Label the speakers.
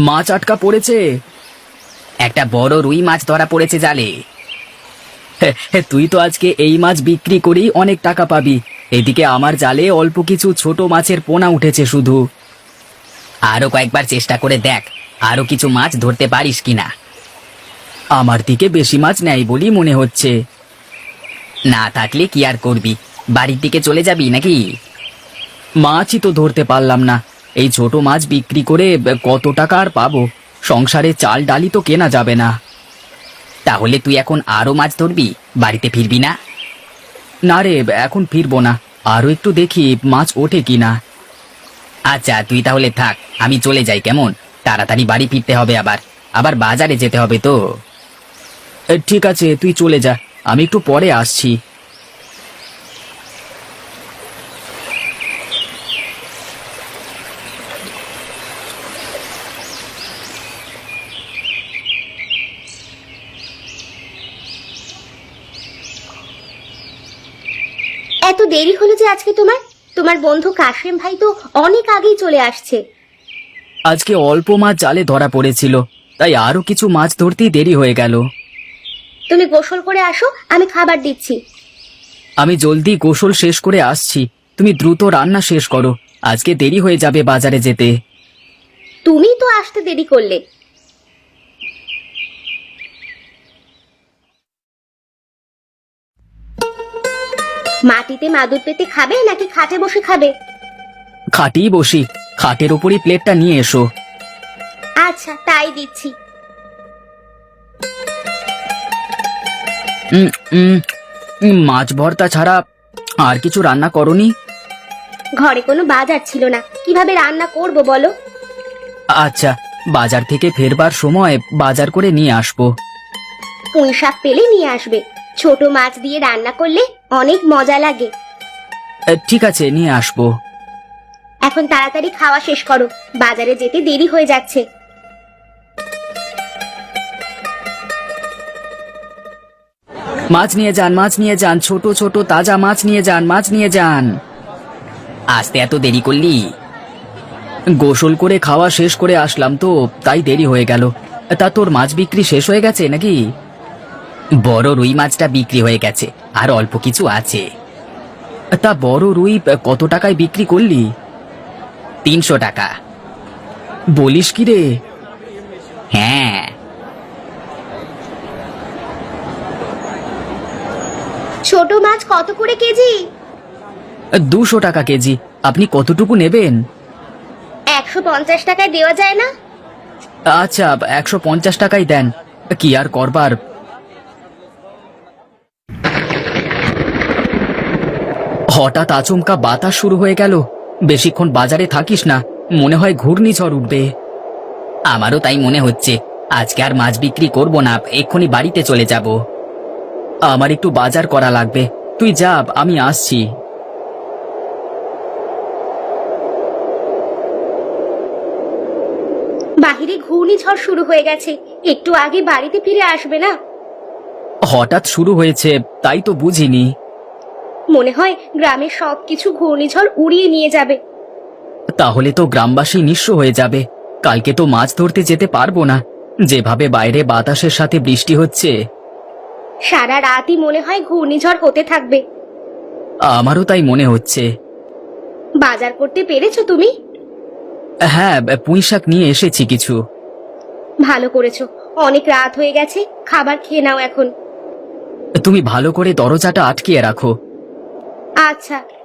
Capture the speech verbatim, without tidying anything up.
Speaker 1: মাছ আটকা পড়েছে।
Speaker 2: একটা বড় রুই মাছ ধরা পড়েছে জালে।
Speaker 1: তুই তো আজকে এই মাছ বিক্রি করেই অনেক টাকা পাবি। এদিকে আমার জালে অল্প কিছু ছোট মাছের পোনা উঠেছে শুধু।
Speaker 2: আরো কয়েকবার চেষ্টা করে দেখ, আরো কিছু মাছ ধরতে পারিস কিনা।
Speaker 1: আমার দিকে বেশি মাছ নেই বলি মনে হচ্ছে।
Speaker 2: না থাকলে কি আর করবি, বাড়ির দিকে চলে যাবি নাকি?
Speaker 1: মাছই তো ধরতে পারলাম না। এই ছোট মাছ বিক্রি করে কত টাকা আর পাবো? সংসারে চাল ডালি তো কেনা যাবে না।
Speaker 2: তাহলে তুই এখন আরো মাছ ধরবি, বাড়িতে ফিরবি না?
Speaker 1: না রে, এখন ফিরবো না, আরো একটু দেখি মাছ ওঠে কিনা।
Speaker 2: আচ্ছা তুই তাহলে থাক, আমি চলে যাই কেমন? তাড়াতাড়ি বাড়ি ফিরতে হবে, আবার আবার বাজারে যেতে হবে তো।
Speaker 1: এ, ঠিক আছে, তুই চলে যা, আমি একটু পরে আসছি।
Speaker 3: এত দেরি হলো যে আজকে তোমার? তোমার বন্ধু কাশেম ভাই তো অনেক আগেই চলে আসছে।
Speaker 1: আজকে অল্প মাছ জালে ধরা পড়েছিল, তাই আরো কিছু মাছ ধরতেই দেরি হয়ে গেল।
Speaker 3: তুমি গোসল করে আসো, আমি খাবার দিচ্ছি।
Speaker 1: আমি জলদি গোসল শেষ করে আসছি, তুমি দ্রুত রান্না শেষ করো, আজকে দেরি হয়ে যাবে বাজারে যেতে।
Speaker 3: তুমি তো আসতে দেরি করলে। মাটিতে মাদুর পেতে খাবে নাকি খাটে বসে খাবে?
Speaker 1: খাটেই বসি, খাটের ওপরই প্লেটটা নিয়ে এসো।
Speaker 3: আচ্ছা, তাই দিচ্ছি।
Speaker 1: উম, উম, উম, মাছ ভর্তা ছাড়া আর কিছু রান্না করনি?
Speaker 3: ঘরে কোনো বাজার ছিল না, কিভাবে রান্না করব বলো?
Speaker 1: আচ্ছা, বাজার থেকে ফেরবার সময় বাজার করে নিয়ে আসবো।
Speaker 3: পুঁই শাক পেলে নিয়ে আসবে, ছোট মাছ দিয়ে রান্না করলে অনেক মজা লাগে।
Speaker 1: এ, ঠিক আছে, নিয়ে আসবো।
Speaker 3: এখন তাড়াতাড়ি খাওয়া শেষ করো, বাজারে যেতে দেরি হয়ে যাচ্ছে।
Speaker 1: মাছ নিয়ে যান, মাছ নিয়ে যান, ছোট ছোট তাজা মাছ নিয়ে যান, মাছ নিয়ে যান।
Speaker 2: আসতে এত দেরি করলি?
Speaker 1: গোসল করে খাওয়া শেষ করে আসলাম তো, তাই দেরি হয়ে গেল। তা তোর মাছ বিক্রি শেষ হয়ে গেছে নাকি?
Speaker 2: বড় রুই মাছটা বিক্রি হয়ে গেছে, আর অল্প কিছু আছে।
Speaker 1: তা বড় রুই কত টাকায় বিক্রি করলি?
Speaker 2: তিনশো টাকা।
Speaker 1: বলিস কি রে?
Speaker 2: হ্যাঁ।
Speaker 3: ছোট মাছ কত করে কেজি?
Speaker 1: দুশো টাকা কেজি। আপনি কতটুকু নেবেন?
Speaker 3: একশো পঞ্চাশ টাকায় দেওয়া যায় না?
Speaker 1: আচ্ছা, একশো পঞ্চাশ টাকাই দেন, কি আর করবার। হঠাৎ আচমকা বাতাস শুরু হয়ে গেল। বেশিক্ষণ বাজারে থাকিস না, মনে হয় ঘূর্ণিঝড় উঠবে।
Speaker 2: আমারও তাই মনে হচ্ছে, আজকে আর মাছ বিক্রি করব না, এক্ষুনি বাড়িতে চলে যাব।
Speaker 1: আমার একটু বাজার করা লাগবে, তুই যা, আমি আসছি।
Speaker 3: বাহিরে ঘূর্ণিঝড় শুরু হয়ে গেছে, একটু আগে বাড়িতে ফিরে আসবে না?
Speaker 1: হঠাৎ শুরু হয়েছে, তাই তো বুঝিনি।
Speaker 3: মনে হয় গ্রামের সবকিছু ঘূর্ণিঝড় উড়িয়ে নিয়ে যাবে।
Speaker 1: তাহলে তো গ্রামবাসী নিঃস্ব হয়ে যাবে। কালকে তো মাছ ধরতে যেতে পারবো না, যেভাবে বাইরে বাতাসের সাথে বৃষ্টি হচ্ছে।
Speaker 3: সারা রাতই মনে হয় ঘূর্ণিঝড় হতে থাকবে।
Speaker 1: আমারও তাই মনে হচ্ছে।
Speaker 3: বাজার করতে পেরেছো তুমি?
Speaker 1: হ্যাঁ, পুঁই শাক নিয়ে এসেছি কিছু।
Speaker 3: ভালো করেছো, অনেক রাত হয়ে গেছে, খাবার খেয়ে নাও এখন।
Speaker 1: তুমি ভালো করে দরজাটা আটকিয়ে রাখো।
Speaker 3: আচ্ছা।